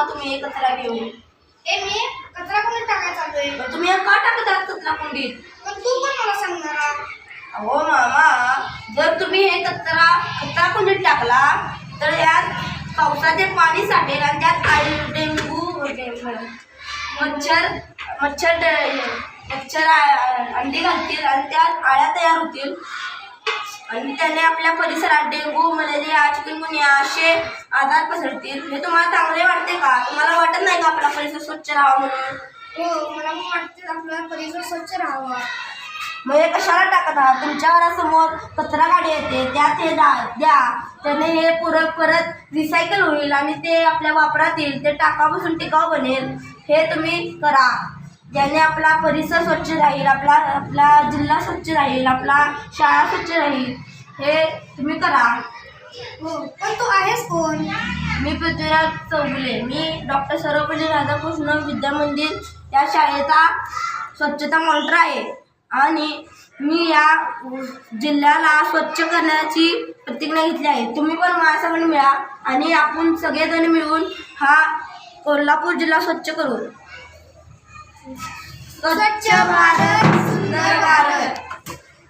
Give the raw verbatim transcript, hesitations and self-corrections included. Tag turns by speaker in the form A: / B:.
A: तुम्ही हे कचरा घेऊन.
B: ए मी कचरा कुंडीत टाकायला चाललोय.
A: मग तुम्ही हे का टाकत आहात कचरा कुंडीत?
B: पण तू पण मला सांगणार.
A: अहो मामा, जर तुम्ही हे कचरा कचरा कुंडीत टाकला तर यात पावसाचे पाणी साठेल आणि त्यात आळी डेंगू मच्छर मच्छर मच्छर अंडी घालतील आणि त्यात आळ्या तयार होतील आणि त्याने आपल्या परिसरात डेंगू मलेरिया चिकनगुनिया असे आजार पसरतील. हे तुम्हाला चांगले वाटते का? तुम्हाला वाटत नाही का आपला परिसर स्वच्छ राहावा म्हणून?
B: हो, मला पण वाटते आपला परिसर स्वच्छ राहावा.
A: मग हे कशाला टाकत आहात? तुमच्या घरासमोर कचरा गाडी येते, त्यात हे द्या. त्याने हे पुरत परत रिसायकल होईल आणि ते आपल्या वापरात येईल. ते टाकापासून टिकाऊ बनेल. हे तुम्ही करा, ज्याने आपला परिसर स्वच्छ राहील, आपला आपला जिल्हा स्वच्छ राहील, आपला शाळा स्वच्छ राहील. हे तुम्ही करा.
B: हो, पण तू आहेस कोण?
A: मी पृथ्वीराज चौगुले. मी डॉक्टर सर्वपल्ली राधाकृष्ण विद्या मंदिर या शाळेचा स्वच्छता मॉनिटर आहे आणि मी या जिल्ह्याला स्वच्छ करण्याची प्रतिज्ञा घेतली आहे. तुम्ही पण माझ्यासंग मिळा आणि आपण सगळेजण मिळून हा कोल्हापूर जिल्हा स्वच्छ करू. स्वच्छ भारत सुंदर भारत.